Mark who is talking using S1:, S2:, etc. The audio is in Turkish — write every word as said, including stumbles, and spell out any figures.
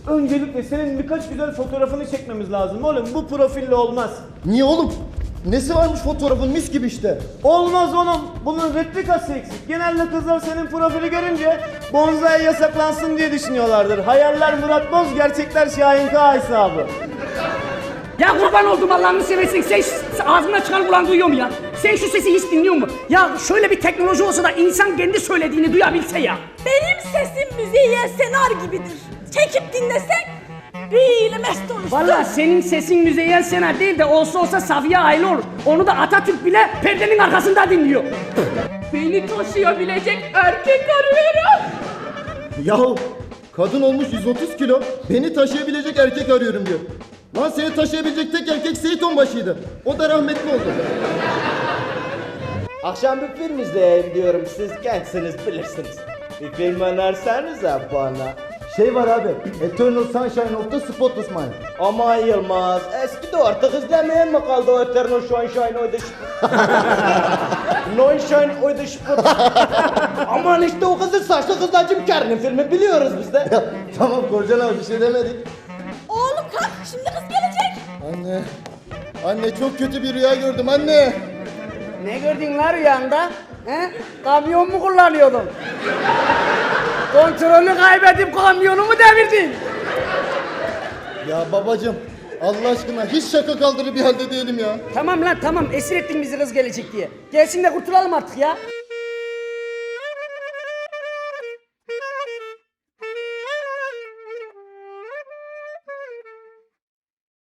S1: Öncelikle senin birkaç güzel fotoğrafını çekmemiz lazım oğlum. Bu profille olmaz.
S2: Niye oğlum? Nesi varmış fotoğrafın, mis gibi işte.
S1: Olmaz oğlum. Bunun replikası eksik. Genelde kızlar senin profili görünce bonzai yasaklansın diye düşünüyorlardır. Hayaller Murat Boz, gerçekler Şahin K hesabı.
S3: Ya kurban oldum Allah'ını seversen, sen şu- ağzımdan çıkan kulağın duyuyor mu ya? Sen şu sesi hiç dinliyor mu? Ya şöyle bir teknoloji olsa da insan kendi söylediğini duyabilse ya.
S4: Benim sesim müziğe senar gibidir. Çekip dinlesek böyle mest olursun.
S3: Vallahi senin sesin Müzeyyen Senar değil de olsa olsa Safiye Aylı olur. Onu da Atatürk bile perdenin arkasında dinliyor.
S4: Beni taşıyabilecek erkek arıyorum.
S2: Yahu kadın olmuş yüz otuz kilo, beni taşıyabilecek erkek arıyorum diyor. Lan seni taşıyabilecek tek erkek Seyit Onbaşı'ydı. O da rahmetli oldu.
S5: Akşam bir film izleyeyim diyorum. Siz gençsiniz, bilirsiniz. Bir film önersenize bana.
S2: Şey var abi, Eternal Sunshine of the Spotless Mind.
S5: Ama Yılmaz, eski de artık izlemeyen mi kaldı o Eternal Sunshine oydu şıpır. Sunshine oydu şıpır. Aman işte o kızın saçlı kızla Jim Carrey'nin filmi biliyoruz biz de.
S2: Ya tamam Korcan abi, bir şey demedik.
S4: Oğlum kalk, şimdi kız gelecek.
S2: Anne, anne çok kötü bir rüya gördüm anne.
S3: Ne gördün lan rüyanda? He? Kamyon mu kullanıyordun? Kontrolü kaybedip kamyonu mu devirdin?
S2: Ya babacım, Allah aşkına hiç şaka kaldırır bir halde değilim ya.
S3: Tamam lan tamam, esir ettin bizi kız gelecek diye. Gelsin de kurtulalım artık ya.